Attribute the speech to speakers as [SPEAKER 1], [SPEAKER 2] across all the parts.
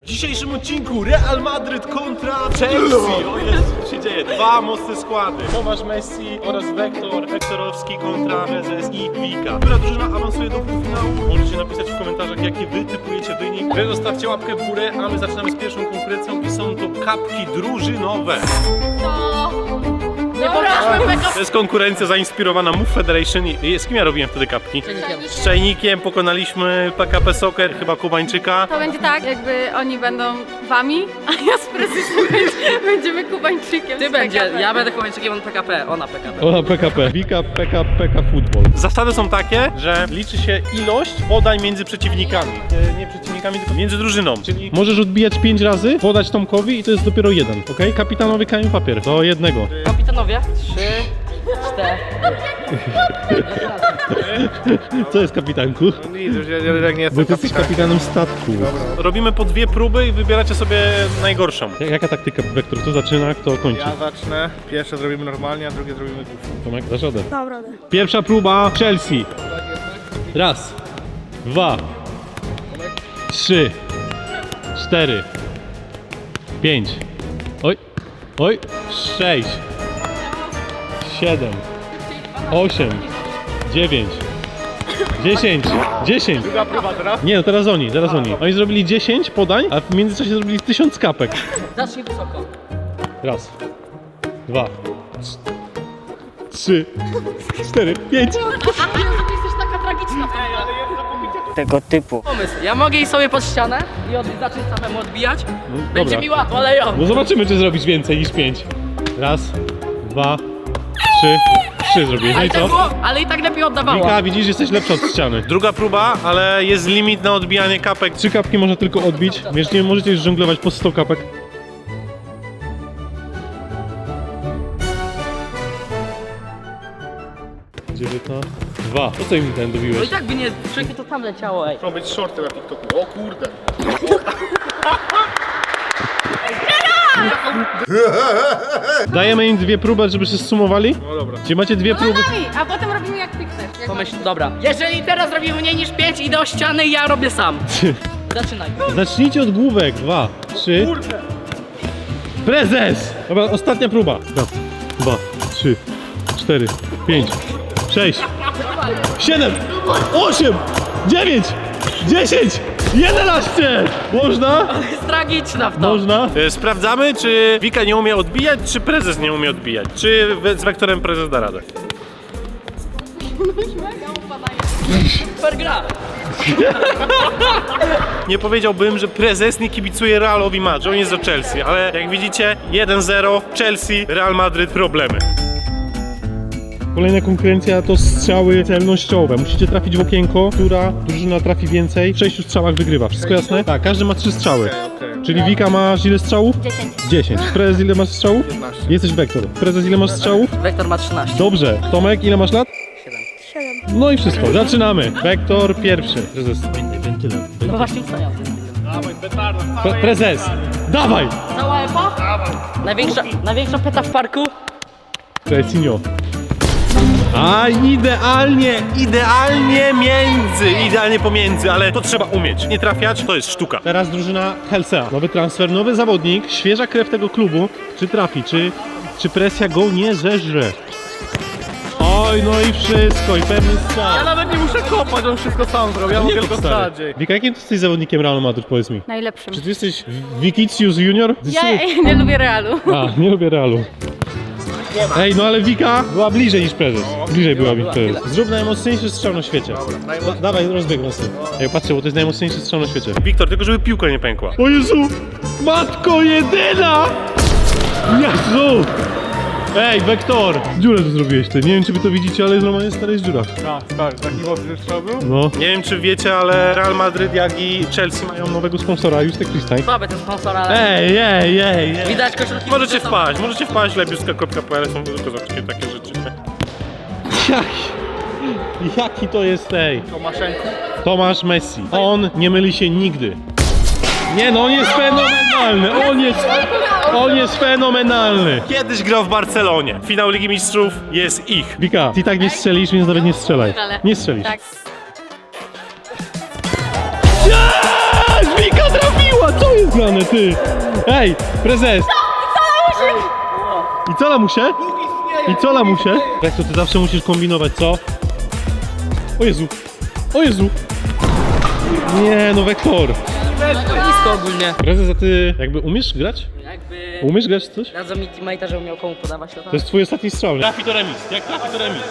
[SPEAKER 1] dzisiejszym odcinku Real Madryt kontra Chelsea. O Jezu, co się dzieje? Dwa mocne składy. Tomasz Messi oraz Wektorowski kontra Prezes i Wika. Która drużyna awansuje do półfinału? Możecie napisać w komentarzach, jaki wy typujecie wynik. Wy zostawcie łapkę w górę, a my zaczynamy z pierwszą konkurencją i są to kapki drużynowe.
[SPEAKER 2] Nie pokażmy PKP.
[SPEAKER 1] To jest konkurencja zainspirowana Move Federation. Z kim ja robiłem wtedy kapki? Z Czajnikiem pokonaliśmy PKP Soccer, chyba Kubańczyka.
[SPEAKER 2] To będzie tak, jakby oni będą wami, a ja z prezesem będziemy Kubańczykiem.
[SPEAKER 3] Ty będzie, ja będę Kubańczykiem, on PKP, ona PKP.
[SPEAKER 1] Ona PKP. Wika, PK Football. Zasady są takie, że liczy się ilość podań między przeciwnikami. Nie przeciwnikami, tylko między drużyną. Czyli możesz odbijać 5 razy, podać Tomkowi i to jest dopiero jeden. Ok? Kapitanowy kamień papier. Do jednego.
[SPEAKER 3] Kapitanowie, 3, 4.
[SPEAKER 1] Co jest kapitanku? Bo ty jesteś kapitanem statku. Robimy po 2 próby i wybieracie sobie najgorszą. Jaka taktyka, Wektor? Kto zaczyna, kto kończy?
[SPEAKER 4] Ja zacznę. Pierwsze zrobimy normalnie, a drugie zrobimy głupio.
[SPEAKER 1] Tomek, dasz radę. Pierwsza próba Chelsea. Raz, 2, 3, 4, 5. Oj, oj, 6, 7, 8, 9, 10, 10.
[SPEAKER 4] Druga próba teraz?
[SPEAKER 1] Nie, no teraz oni, zaraz oni. Oni zrobili 10 podań, a w międzyczasie zrobili 1000 kapek.
[SPEAKER 3] Zacznij wysoko.
[SPEAKER 1] Raz, 2, 3, 4, 5.
[SPEAKER 3] Ty jesteś taka tragiczna. Tego typu. Pomysł, ja mogę iść sobie pod ścianę i zacząć samemu odbijać. Będzie
[SPEAKER 1] dobra.
[SPEAKER 3] mi łatwo, ale ją.
[SPEAKER 1] No zobaczymy, czy zrobisz więcej niż 5. Raz, 2, 3 zrobiłeś. No i co?
[SPEAKER 3] Ale i tak lepiej oddawała.
[SPEAKER 1] Wika, widzisz, jesteś lepsza od ściany. Druga próba, ale jest limit na odbijanie kapek. 3 kapki można tylko odbić, więc nie możecie już żonglować po 100 kapek. Dwa. Po co im ten
[SPEAKER 3] No
[SPEAKER 1] dobiłeś?
[SPEAKER 3] i tak by nie, wszędzie to tam leciało, ej.
[SPEAKER 4] Chcą być shorty na TikToku. O kurde.
[SPEAKER 1] Dajemy im 2 próby, żeby się zsumowali?
[SPEAKER 4] No dobra.
[SPEAKER 1] Czyli macie 2 próby.
[SPEAKER 2] A potem robimy jak ty chcesz.
[SPEAKER 3] Pomyśl, dobra. Jeżeli teraz robimy mniej niż 5, idę o ściany i ja robię sam. Zaczynaj.
[SPEAKER 1] Zacznijcie od główek. 2, 3. Prezes! Dobra, ostatnia próba. 2, 3, 4, 5, 6, 7, 8, 9, 10, 11! Można?
[SPEAKER 3] Jest tragiczna w to.
[SPEAKER 1] Można? Sprawdzamy, czy Wika nie umie odbijać, czy prezes nie umie odbijać. Czy z Wektorem prezes da radę.
[SPEAKER 3] Super gra.
[SPEAKER 1] Nie powiedziałbym, że prezes nie kibicuje Realowi Madryt, on jest za Chelsea, ale jak widzicie 1-0 Chelsea, Real Madryt problemy. Kolejna konkurencja to strzały celnościowe. Musicie trafić w okienko, która drużyna trafi więcej. W 6 strzałach wygrywa. Wszystko jasne? Tak, każdy ma 3 strzały.
[SPEAKER 4] Okej.
[SPEAKER 1] Czyli Wika masz ile strzałów?
[SPEAKER 2] 10.
[SPEAKER 1] 10. Prezes ile masz strzałów?
[SPEAKER 4] 15.
[SPEAKER 1] Jesteś Wektor. Prezes ile masz strzałów?
[SPEAKER 3] Wektor ma 13.
[SPEAKER 1] Dobrze. Tomek ile masz lat?
[SPEAKER 3] 7.
[SPEAKER 1] No i wszystko. Zaczynamy. Wektor pierwszy. Prezes. Wentylem.
[SPEAKER 3] No właśnie co ja.
[SPEAKER 4] Dawaj, petarda.
[SPEAKER 1] Prezes. Dawaj!
[SPEAKER 3] Cała epa? Największa peta w parku?
[SPEAKER 1] Presinio. A idealnie pomiędzy, ale to trzeba umieć. Nie trafiać, to jest sztuka. Teraz drużyna Helsea. Nowy transfer, nowy zawodnik, świeża krew tego klubu. Czy trafi, czy presja go nie zeżre? Oj, no i wszystko, i pewny
[SPEAKER 4] Ja
[SPEAKER 1] strzał.
[SPEAKER 4] nawet nie muszę kopać, on wszystko sam zrobił. Ja mogę tylko sadzić.
[SPEAKER 1] Wika, jakim ty jesteś zawodnikiem Realu Madryt, powiedz mi?
[SPEAKER 2] Najlepszym.
[SPEAKER 1] Czy ty jesteś Wikicius Junior?
[SPEAKER 2] Ja nie lubię Realu.
[SPEAKER 1] A, nie lubię Realu. Ej, no ale Wika była bliżej niż prezes. Bliżej była niż prezes. Zrób najmocniejszy strzał na świecie. Dawaj, rozbieg nas. Ej, patrzcie, bo to jest najmocniejszy strzał na świecie. Wiktor, tylko żeby piłka nie pękła. O Jezu! Matko jedyna! Jezu! Ej, Wektor! Dziurę tu zrobiłeś ty. Nie wiem, czy wy to widzicie, ale normalnie stary jest dziura.
[SPEAKER 4] Tak, taki mocny strzał był?
[SPEAKER 1] No. Nie wiem, czy wiecie, ale Real Madryt, jak i Chelsea mają nowego sponsora, Justek Christań.
[SPEAKER 3] Słaby ten sponsor, ale
[SPEAKER 1] Ej.
[SPEAKER 3] widać koszulki.
[SPEAKER 1] Możecie wpaść, lebiuska.pl, są tylko zobaczcie takie rzeczy. Jaki to jest
[SPEAKER 4] Tomaszenko.
[SPEAKER 1] Tomasz Messi. On nie myli się nigdy. Nie no, on jest fenomenalny. On jest fenomenalny. Kiedyś grał w Barcelonie. Finał Ligi Mistrzów jest ich. Wika, ty tak nie strzelisz, więc nawet nie strzelaj. Nie strzelisz.
[SPEAKER 2] Tak.
[SPEAKER 1] Wika trafiła, co jest grane, ty? Ej, prezes! I co lamusie? I co lamusie? Jak to ty zawsze musisz kombinować, co? O Jezu! O Jezu! Nie, no Wektor!
[SPEAKER 3] Blisko ogólnie.
[SPEAKER 1] Prezes, a ty jakby umiesz grać?
[SPEAKER 3] Jakby...
[SPEAKER 1] Umiesz grać w coś?
[SPEAKER 3] Radzą mi teammate'a, żebym miał komu podawać to tam.
[SPEAKER 1] To jest twój ostatni strzał, nie? Trafi to remis, jak trafi to remis.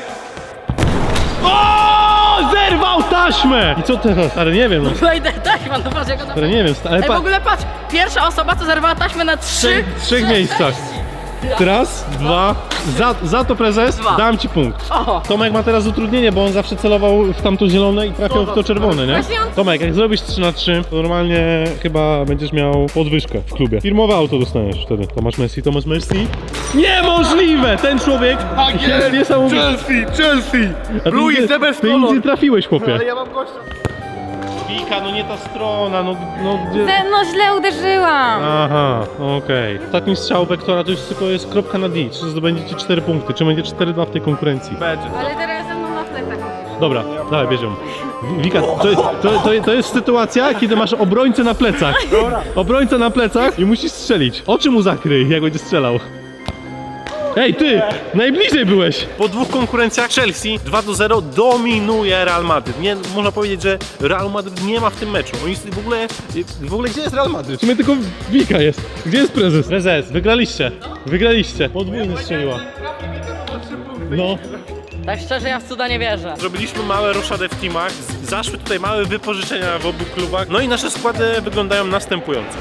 [SPEAKER 1] O! Zerwał taśmę! I co teraz? Ale nie wiem, no.
[SPEAKER 3] Wejdę taśma, no patrz jak ona...
[SPEAKER 1] Ale nie wiem, ale
[SPEAKER 3] Ej, w ogóle patrz, pierwsza osoba to zerwała taśmę na trzy...
[SPEAKER 1] w trzech miejscach. Raz, dwa. Za to prezes
[SPEAKER 3] Dwa.
[SPEAKER 1] dam ci punkt.
[SPEAKER 3] O!
[SPEAKER 1] Tomek ma teraz utrudnienie, bo on zawsze celował w tamto zielone i trafiał w to czerwone, nie?
[SPEAKER 2] Właśnie on-
[SPEAKER 1] Tomek, jak zrobisz 3 na 3, to normalnie chyba będziesz miał podwyżkę w klubie. Firmowe auto dostaniesz wtedy. Tomasz Messi. Niemożliwe! Ten człowiek jest niesamowity.
[SPEAKER 4] Chelsea!
[SPEAKER 1] A ty
[SPEAKER 4] Blue
[SPEAKER 1] nigdy-
[SPEAKER 4] is the best
[SPEAKER 1] Ty nic nie
[SPEAKER 4] color!
[SPEAKER 1] trafiłeś, chłopie.
[SPEAKER 4] Ale ja mam gościa.
[SPEAKER 1] Wika, no nie ta strona, no gdzie...
[SPEAKER 2] No źle uderzyłam.
[SPEAKER 1] Aha, okej. Ostatni strzał Wektora to już tylko jest kropka na D. Czy zdobędziecie 4 punkty, czy będzie 4-2 w tej konkurencji?
[SPEAKER 4] Będzie.
[SPEAKER 2] Ale teraz ze mną na plecach musisz.
[SPEAKER 1] Dobra, dawaj, bierzemy. Wika, to jest sytuacja, kiedy masz obrońcę na plecach. Obrońcę na plecach i musisz strzelić. Oczy mu zakryj, jak będzie strzelał. Ej, ty! Najbliżej byłeś! Po dwóch konkurencjach Chelsea 2-0 dominuje Real Madryt. Nie, można powiedzieć, że Real Madryt nie ma w tym meczu. Oni w ogóle gdzie jest Real Madryt? W sumie tylko Wika jest. Gdzie jest prezes? Prezes, wygraliście. Wygraliście. Podwójny strzeliła. No.
[SPEAKER 3] Tak szczerze, ja w cuda nie wierzę.
[SPEAKER 1] Zrobiliśmy małe roszadę w teamach, zaszły tutaj małe wypożyczenia w obu klubach, no i nasze składy wyglądają następująco.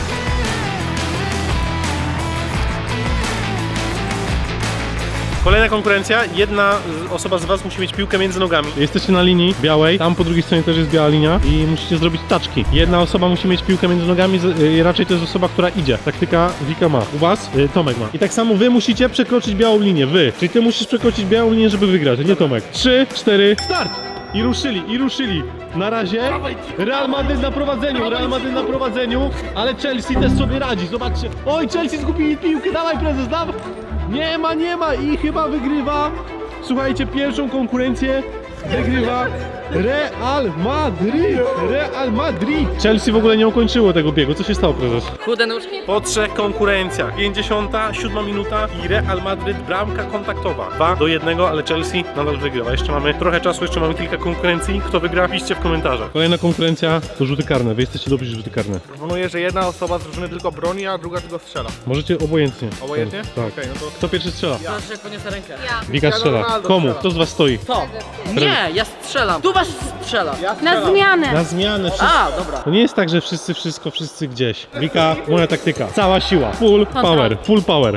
[SPEAKER 1] Kolejna konkurencja, jedna osoba z was musi mieć piłkę między nogami. Jesteście na linii białej, tam po drugiej stronie też jest biała linia i musicie zrobić taczki. Jedna osoba musi mieć piłkę między nogami, raczej to jest osoba, która idzie. Taktyka Wika ma. U was Tomek ma. I tak samo wy musicie przekroczyć białą linię, wy. Czyli ty musisz przekroczyć białą linię, żeby wygrać, nie Tomek. 3, 4, start! I ruszyli. Na razie Real Madryt na prowadzeniu, ale Chelsea też sobie radzi, zobaczcie. Oj, Chelsea zgubili piłkę, dawaj prezes, dawaj! Nie ma i chyba wygrywa. Słuchajcie, pierwszą konkurencję wygrywa Real Madrid. Chelsea w ogóle nie ukończyło tego biegu. Co się stało, prezes?
[SPEAKER 3] Chude nóżki.
[SPEAKER 1] Po 3 konkurencjach, 57 minuta i Real Madryt bramka kontaktowa. 2-1, ale Chelsea nadal wygrywa. Jeszcze mamy trochę czasu, jeszcze mamy kilka konkurencji. Kto wygra, piszcie w komentarzach. Kolejna konkurencja to rzuty karne. Wy jesteście dobrzy w rzuty karne.
[SPEAKER 4] Proponuję, że jedna osoba z drużyny tylko broni, a druga tylko strzela.
[SPEAKER 1] Możecie obojętnie.
[SPEAKER 4] Obojętnie?
[SPEAKER 1] Tak.
[SPEAKER 4] Okej, no to...
[SPEAKER 1] Kto pierwszy strzela?
[SPEAKER 3] Zobacz, że podniosę rękę.
[SPEAKER 1] Wika strzela.
[SPEAKER 4] Ronaldo
[SPEAKER 1] Komu?
[SPEAKER 4] strzela.
[SPEAKER 1] Kto z was stoi?
[SPEAKER 3] To! Nie, ja strzelam. Tu was strzela.
[SPEAKER 4] Ja
[SPEAKER 2] Na
[SPEAKER 4] strzelam.
[SPEAKER 2] zmianę.
[SPEAKER 1] Na zmianę.
[SPEAKER 3] A, dobra.
[SPEAKER 1] To nie jest tak, że wszyscy wszystko, wszyscy gdzieś. Wika, moja taktyka. Cała siła. Full power.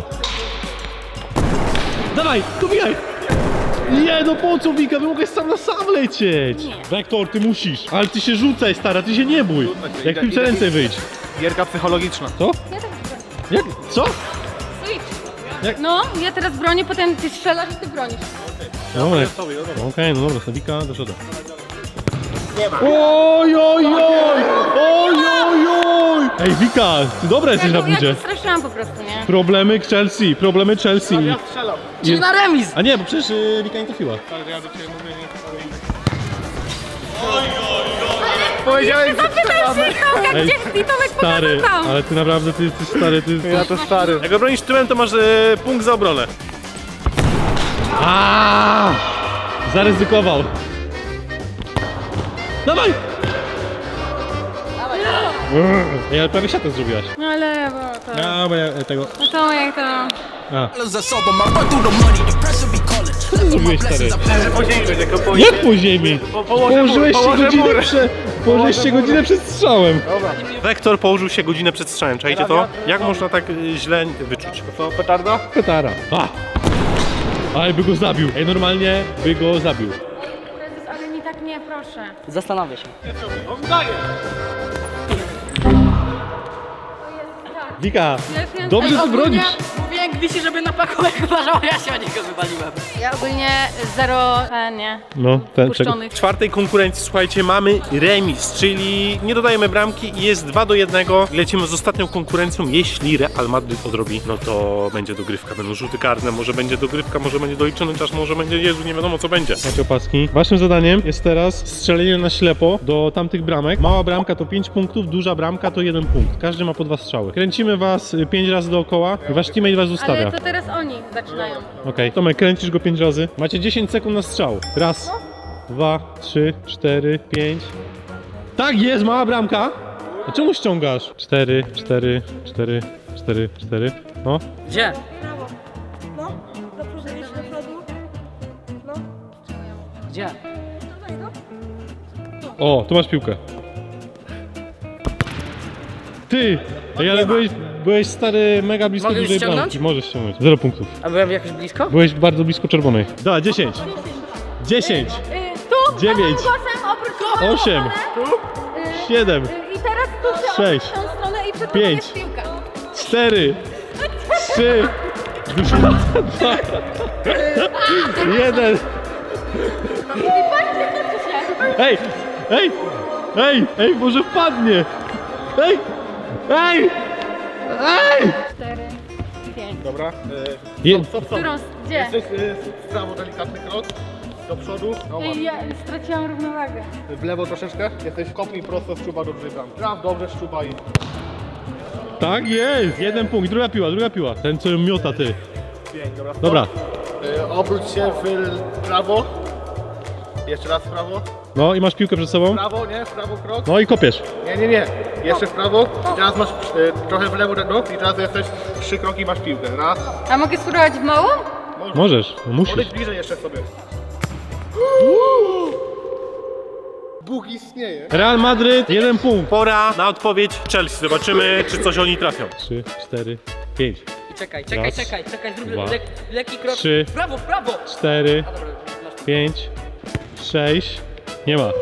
[SPEAKER 1] Dawaj, dobijaj! Nie, no po co Wika? Wy mogłeś sam na sam lecieć.
[SPEAKER 2] Nie.
[SPEAKER 1] Wektor, ty musisz. Ale ty się rzucaj, stara, ty się nie bój. Jak piłce ręce wyjdź.
[SPEAKER 4] Gierka psychologiczna.
[SPEAKER 1] Co?
[SPEAKER 2] Ja teraz bronię.
[SPEAKER 1] Jak? Co?
[SPEAKER 2] Switch. No, ja teraz bronię, potem ty strzelasz i ty bronisz.
[SPEAKER 1] Dobra. Okej, no dobra, Wika, do przodu. Oj! Ej, Wika, ty dobra jesteś na
[SPEAKER 2] Ja
[SPEAKER 1] budzie.
[SPEAKER 2] cię straszyłam po prostu, nie?
[SPEAKER 1] Problemy Chelsea.
[SPEAKER 4] Ja strzelam.
[SPEAKER 3] Czyli na remis.
[SPEAKER 1] A nie, bo przecież Wika nie trafiła.
[SPEAKER 4] Ale ja do ciebie mówię, nie powiedziałem, że strzelamy.
[SPEAKER 2] Tomek,
[SPEAKER 1] Ej,
[SPEAKER 2] gdzie i Tomek
[SPEAKER 1] Stary,
[SPEAKER 2] pokazał tam.
[SPEAKER 1] ale ty naprawdę, ty stary, ty...
[SPEAKER 4] Ja to stary.
[SPEAKER 1] Jak obronisz tyłem, to masz punkt za obronę. Zaryzykował. Dawaj! Ej, ale prawie siatę zrobiłaś.
[SPEAKER 2] No ale, bo to...
[SPEAKER 1] A, bo ja tego...
[SPEAKER 2] No to jak to...
[SPEAKER 1] A,
[SPEAKER 5] Dollars are sober, my run through the money, the pressure be calling.
[SPEAKER 1] co ty zrobiłeś, stary?
[SPEAKER 4] Po ziemi będzie, tylko po
[SPEAKER 1] Jak po ziemi? Położyłeś się godzinę przed strzałem.
[SPEAKER 4] Dobra.
[SPEAKER 1] Wektor położył się godzinę przed strzałem, czajcie to? Jak można tak źle wyczuć?
[SPEAKER 4] To petarda?
[SPEAKER 1] Petara. Ale by go zabił. Ej, normalnie by go zabił.
[SPEAKER 2] Prezes, ale nie tak nie, proszę.
[SPEAKER 3] Zastanawię się.
[SPEAKER 4] On daje.
[SPEAKER 1] Wika,
[SPEAKER 2] Ja wiem,
[SPEAKER 1] dobrze
[SPEAKER 2] ej,
[SPEAKER 1] ty
[SPEAKER 2] ogólnie
[SPEAKER 1] bronisz.
[SPEAKER 2] Mówię
[SPEAKER 3] Tomek wisi, żeby na pakołek uważał, ja się o niego wywaliłem.
[SPEAKER 2] Ja ogólnie zero, nie,
[SPEAKER 1] No, ten
[SPEAKER 2] puszczonych.
[SPEAKER 1] W czwartej konkurencji, słuchajcie, mamy remis, czyli nie dodajemy bramki i jest 2-1. Lecimy z ostatnią konkurencją. Jeśli Real Madrid odrobi, no to będzie dogrywka, będą rzuty karne, może będzie dogrywka, może będzie doliczony czas, może będzie, Jezu, nie wiadomo co będzie. Macie opaski. Waszym zadaniem jest teraz strzelenie na ślepo do tamtych bramek. Mała bramka to 5 punktów, duża bramka to 1 punkt. Każdy ma po 2 strzały. Kręcimy was 5 razy dookoła i wasz teammate was ustawia.
[SPEAKER 2] Ale to teraz oni zaczynają.
[SPEAKER 1] Okej, Tomek, kręcisz go 5 razy. Macie 10 sekund na strzał. Raz, 2, 3, 4, 5. Tak jest, mała bramka. A czemu ściągasz? 4, 4, 4, 4, 4. No.
[SPEAKER 3] Gdzie?
[SPEAKER 6] No, zaproszę iść do przodu. No,
[SPEAKER 3] Gdzie?
[SPEAKER 6] tutaj no.
[SPEAKER 1] O, tu masz piłkę. Ty! Ej, ale byłeś stary mega blisko
[SPEAKER 3] Mogę już
[SPEAKER 1] dużej
[SPEAKER 3] ściągnąć?
[SPEAKER 1] bramki. Możesz ściągnąć. 0 punktów.
[SPEAKER 3] A byłem jakoś blisko?
[SPEAKER 1] Byłeś bardzo blisko czerwonej. Da, 10. 10.
[SPEAKER 2] Tu,
[SPEAKER 1] 9.
[SPEAKER 2] prawym głosem, oprócz
[SPEAKER 1] 8. 7.
[SPEAKER 2] I teraz tu
[SPEAKER 1] 6.
[SPEAKER 2] w tą stronę i przed
[SPEAKER 1] 5.
[SPEAKER 2] jest piłka.
[SPEAKER 1] 4, 3, 2, 1. Ej, ej, ej, ej, może wpadnie. Ej, ej, ej.
[SPEAKER 2] 4, 5.
[SPEAKER 4] Dobra.
[SPEAKER 2] Którą, gdzie?
[SPEAKER 4] Jesteś w prawo delikatny krok. Do przodu. No,
[SPEAKER 2] Ej, ja straciłam równowagę.
[SPEAKER 4] w lewo troszeczkę. Jesteś kopnij prosto, szczuba do drzwi bram. Traf dobrze, szczuba i...
[SPEAKER 1] Tak jest, 1 punkt, druga piła. Ten co ją miota, ty.
[SPEAKER 4] 5, dobra.
[SPEAKER 1] Dobra,
[SPEAKER 4] Obróć się w prawo. Jeszcze raz w prawo.
[SPEAKER 1] no i masz piłkę przed
[SPEAKER 4] W
[SPEAKER 1] sobą.
[SPEAKER 4] prawo, nie? W prawo krok.
[SPEAKER 1] No i kopiesz.
[SPEAKER 4] Nie. Jeszcze w prawo. I teraz masz trochę w lewo, no. I teraz jesteś 3 kroki i masz piłkę. Raz.
[SPEAKER 2] A mogę spróbować w małą?
[SPEAKER 1] Możesz, no musisz.
[SPEAKER 4] Podejdź bliżej jeszcze sobie. Bóg istnieje.
[SPEAKER 1] Real Madryt, 1 punkt. Pora na odpowiedź Chelsea. Zobaczymy, czy coś oni trafią. 3, 4, 5,
[SPEAKER 3] Czekaj,
[SPEAKER 1] Raz,
[SPEAKER 3] zrób
[SPEAKER 1] dwa,
[SPEAKER 3] lekki krok.
[SPEAKER 1] 3,
[SPEAKER 3] W prawo!
[SPEAKER 1] 4,
[SPEAKER 3] A dobra, masz
[SPEAKER 1] 5, 6. Nie ma.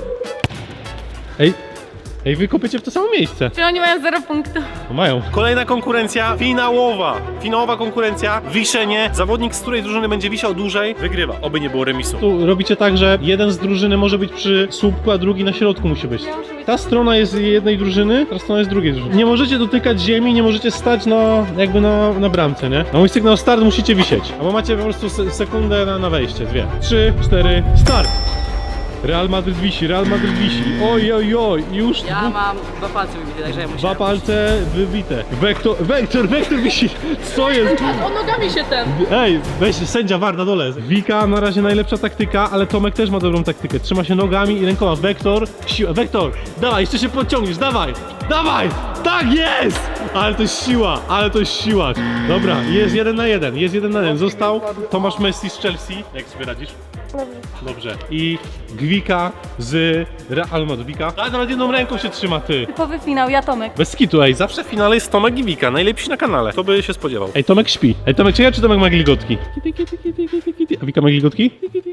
[SPEAKER 1] Ej, wy kopiecie w to samo miejsce.
[SPEAKER 2] Czy oni mają 0 punktów?
[SPEAKER 1] No mają. Kolejna konkurencja finałowa. Finałowa konkurencja, wiszenie. Zawodnik, z której drużyny będzie wisiał dłużej, wygrywa. Oby nie było remisu. Tu robicie tak, że jeden z drużyny może być przy słupku, a drugi na środku musi być.
[SPEAKER 2] Ja muszę być...
[SPEAKER 1] Ta strona jest jednej drużyny, ta strona jest drugiej drużyny. Nie możecie dotykać ziemi, nie możecie stać na bramce, nie? Na mój sygnał start musicie wisieć. Albo macie po prostu sekundę na wejście, 2. 3, 4, start! Real Madrid wisi. Oj, już
[SPEAKER 3] Ja mam 2 palce wybite, także ja muszę...
[SPEAKER 1] 2 palce wybite. Wektor wisi. Co jest?
[SPEAKER 3] On nogami się ten...
[SPEAKER 1] Ej, weź sędzia VAR na dole. Wika na razie najlepsza taktyka, ale Tomek też ma dobrą taktykę. Trzyma się nogami i rękoma. Wektor, siła. Wektor, dawaj, jeszcze się podciągniesz, dawaj! Tak jest! Ale to jest siła. Dobra, jest 1 na 1. Został Tomasz Messi z Chelsea. Jak sobie radzisz? Dobrze. I Gwika z Real Madrid. Gwika. A nawet jedną ręką się trzyma, ty.
[SPEAKER 2] Typowy finał, ja Tomek.
[SPEAKER 1] Bez skitu, ej, zawsze w finale jest Tomek i Wika, najlepsi na kanale. Kto by się spodziewał? Ej, Tomek śpi. Ej, Tomek, czy Tomek ma gilgotki? A Wika ma gilgotki?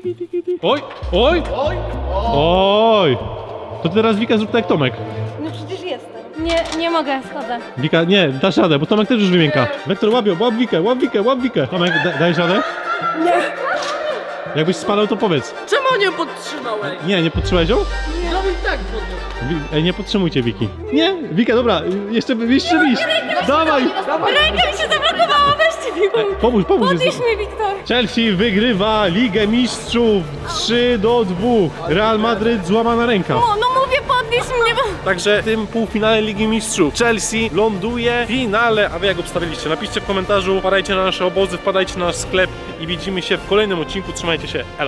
[SPEAKER 1] Oj! To teraz Wika zrób tak jak Tomek.
[SPEAKER 6] No przecież jestem.
[SPEAKER 2] Nie mogę, schodzę.
[SPEAKER 1] Wika, nie, dasz radę, bo Tomek też już wymięka. Wektor, łap Wikę. Tomek, dajesz radę?
[SPEAKER 6] Nie.
[SPEAKER 1] Jakbyś spadał, to powiedz.
[SPEAKER 3] Czemu nie podtrzymałeś?
[SPEAKER 1] Nie podtrzymałeś ją?
[SPEAKER 3] No i tak podniósł.
[SPEAKER 1] Ej, nie podtrzymujcie Wiki. Nie, Wika, dobra, jeszcze bliż. Dawaj!
[SPEAKER 2] Ręka mi się zablokowała, weźcie mi pomóż.
[SPEAKER 1] Pomóż.
[SPEAKER 2] Podnieś mnie, Wiktor.
[SPEAKER 1] Chelsea wygrywa Ligę Mistrzów 3-2. Real Madryt złamana ręka.
[SPEAKER 2] No mówię, podnieś mnie, bo...
[SPEAKER 1] Także w tym półfinale Ligi Mistrzów Chelsea ląduje w finale. A wy jak obstawiliście? Napiszcie w komentarzu, wpadajcie na nasze obozy, wpadajcie na nasz sklep i widzimy się w kolejnym odcinku. Trzymajcie się, elo!